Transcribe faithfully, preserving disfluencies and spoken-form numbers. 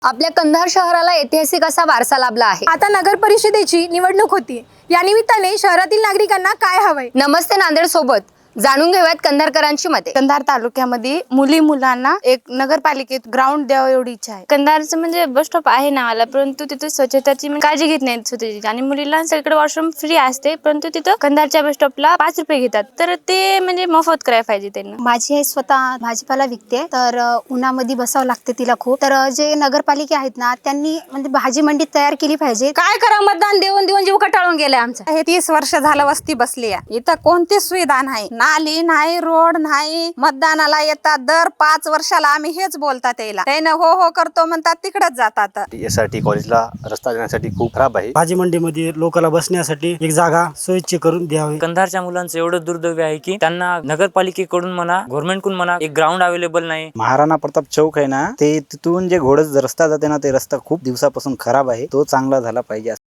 आपल्या कंधार शहराला ऐतिहासिक असा वारसा लाभला आहे। आता नगर परिषदेची निवडणूक होती, या निमित्ताने शहरातील नागरिकांना काय हवंय? नमस्ते नांदेड सोबत जाणून घेऊयात कंधारकरांची मते। कंधार तालुक्यामध्ये मुली मुलांना एक नगरपालिकेत ग्राउंड द्यावं एवढी इच्छा आहे। कंधारचं म्हणजे बस स्टॉप आहे नावाला, परंतु तिथे स्वच्छताची काळजी घेत नाहीत स्वतःची, आणि मुलींना सगळीकडे वॉशरूम फ्री असते, परंतु तिथं कंधारच्या बस स्टॉपला पाच रुपये घेतात, तर ते म्हणजे मोफत करायला पाहिजे त्यांना। माझी आई स्वतः भाजीपाला विकते, तर उन्हामध्ये बसावं लागते तिला खूप, तर जे नगरपालिका आहेत ना त्यांनी म्हणजे भाजी मंडी तयार केली पाहिजे। काय करा, मतदान देऊन देऊन जीव कटाळून गेलाय आमचा। हे तीस वर्ष झालं वस्ती बसली आहे, इथं कोणतीच सुविधा नाही, नाली नाही, रोड नाही। मतदानाला येतात दर पाच वर्षाला आम्ही हेच बोलतात यायला, त्यानं हो हो करतो म्हणतात तिकडेच जातात। यासाठी कॉलेजला रस्ता देण्यासाठी खूप खराब आहे। भाजी मंडीमध्ये लोकांना बसण्यासाठी एक जागा सोयीची करून द्यावी। कंधारच्या मुलांचं एवढं दुर्दैव आहे की त्यांना नगरपालिकेकडून म्हणा, गव्हर्नमेंटकडून म्हणा, एक ग्राउंड अवेलेबल नाही। महाराणा प्रताप चौक आहे ना, ते तिथून जे घोडच रस्ता जाते ना, ते रस्ता खूप दिवसापासून खराब आहे, तो चांगला झाला पाहिजे।